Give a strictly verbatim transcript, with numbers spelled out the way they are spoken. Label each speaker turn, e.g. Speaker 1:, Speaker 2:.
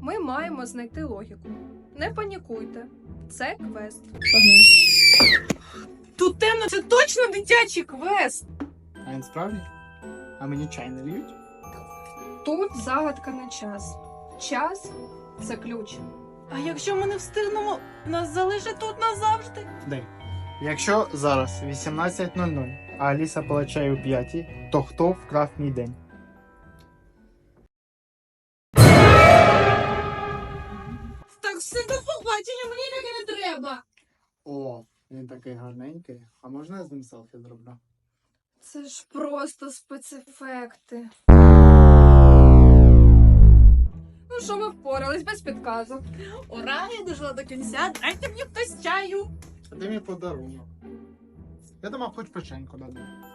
Speaker 1: Ми маємо знайти логіку. Не панікуйте. Це квест.
Speaker 2: Тут темно, це точно дитячий квест.
Speaker 3: А він справді? А мені чай не льють?
Speaker 1: Тут загадка на час. Час – це ключ.
Speaker 2: А якщо ми не встигнемо, нас залишать тут назавжди.
Speaker 3: День. Якщо зараз вісімнадцять нуль нуль, а Аліса пила чай о п'ятій, то хто вкрав мій день?
Speaker 2: Так все до побачення, мені таке не треба.
Speaker 3: О, він такий гарненький. А можна я з ним селфі зроблю?
Speaker 1: Це ж просто спецефекти. Ну що, ми впорались без підказок.
Speaker 2: Ура, я дожила до кінця, дайте мені хтось чаю.
Speaker 3: А де мій подарунок? Я думав, хоч печеньку дадуть.